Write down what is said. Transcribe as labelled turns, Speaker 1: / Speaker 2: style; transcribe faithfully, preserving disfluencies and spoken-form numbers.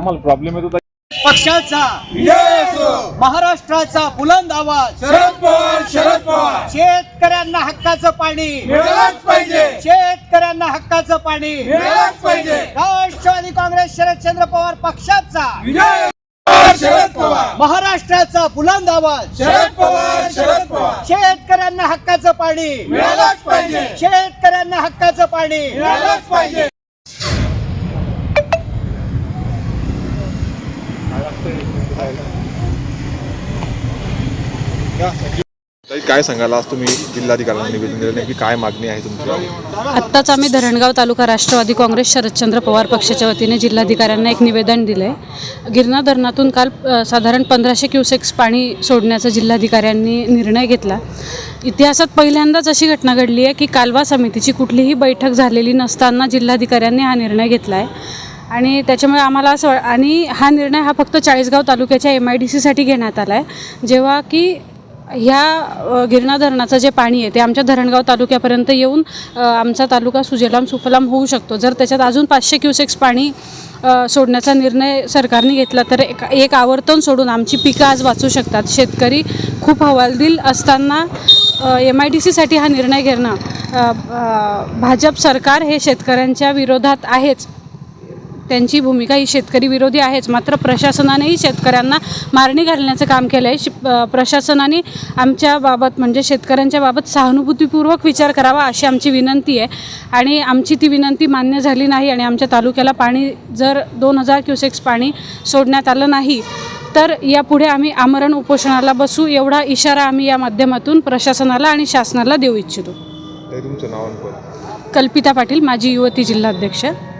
Speaker 1: आम्हाला प्रॉब्लेम येतो
Speaker 2: पक्षाचा महाराष्ट्राचा बुलंद आवाज
Speaker 3: शरद पवार शरद पवार
Speaker 2: शेतकऱ्यांना हक्काचं पाणी
Speaker 3: मिळालंच पाहिजे
Speaker 2: शेतकऱ्यांना हक्काचं पाणी
Speaker 3: मिळालंच पाहिजे
Speaker 2: राष्ट्रवादी काँग्रेस शरदचंद्र पवार पक्षाचा
Speaker 3: विजय शरद पवार
Speaker 2: महाराष्ट्राचा बुलंद आवाज
Speaker 3: शरद पवार शरद पवार
Speaker 2: शेतकऱ्यांना हक्काचं पाणी
Speaker 3: मिळालंच पाहिजे
Speaker 2: शेतकऱ्यांना हक्काचं पाणी
Speaker 3: मिळालंच पाहिजे
Speaker 1: काय सांगाल आज तुम्ही जिल्हाधिकाऱ्यांना निवेदन दिलं, नेमकी काय मागणी आहे तुमची?
Speaker 4: आत्ताच आम्ही धरणगाव तालुका राष्ट्रवादी काँग्रेस शरदचंद्र पवार पक्षाच्या वतीने जिल्हाधिकाऱ्यांना एक निवेदन दिलं आहे। गिरणा धरणातून काल साधारण पंधराशे क्युसेक्स पाणी सोडण्याचा जिल्हाधिकाऱ्यांनी निर्णय घेतला। इतिहासात पहिल्यांदाच अशी घटना घडली आहे की कालवा समितीची कुठलीही बैठक झालेली नसताना जिल्हाधिकाऱ्यांनी हा निर्णय घेतला आहे आणि त्याच्यामुळे आम्हाला असं आणि हा निर्णय हा फक्त चाळीसगाव तालुक्याच्या एम आय डी सीसाठी घेण्यात आला आहे, जेव्हा की ह्या गिरणा धरणाचं जे पाणी आहे ते आमच्या धरणगाव तालुक्यापर्यंत येऊन आमचा तालुका सुजलाम सुफलाम होऊ शकतो। जर त्याच्यात अजून पाचशे क्युसेक्स पाणी सोडण्याचा निर्णय सरकारने घेतला तर एक एक आवर्तन सोडून आमची पिकं आज वाचू शकतात। शेतकरी खूप हवालदिल असताना एम आय डी सीसाठी हा निर्णय घेणं, भाजप सरकार हे शेतकऱ्यांच्या विरोधात आहेच, त्यांची भूमिका ही शेतकरी विरोधी आहेच, मात्र प्रशासनानेही शेतकऱ्यांना मारणी घालण्याचं काम केलं आहे। प्रशासनाने आमच्या बाबत म्हणजे शेतकऱ्यांच्या बाबत सहानुभूतीपूर्वक विचार करावा अशी आमची विनंती आहे आणि आमची ती विनंती मान्य झाली नाही आणि आमच्या तालुक्याला पाणी जर दोन हजार क्युसेक्स पाणी सोडण्यात आलं नाही तर यापुढे आम्ही आमरण उपोषणाला बसू, एवढा इशारा आम्ही या माध्यमातून प्रशासनाला आणि शासनाला देऊ इच्छितो।
Speaker 1: तुमचं नाव?
Speaker 4: कल्पिता पाटील, माजी युवती जिल्हाध्यक्ष।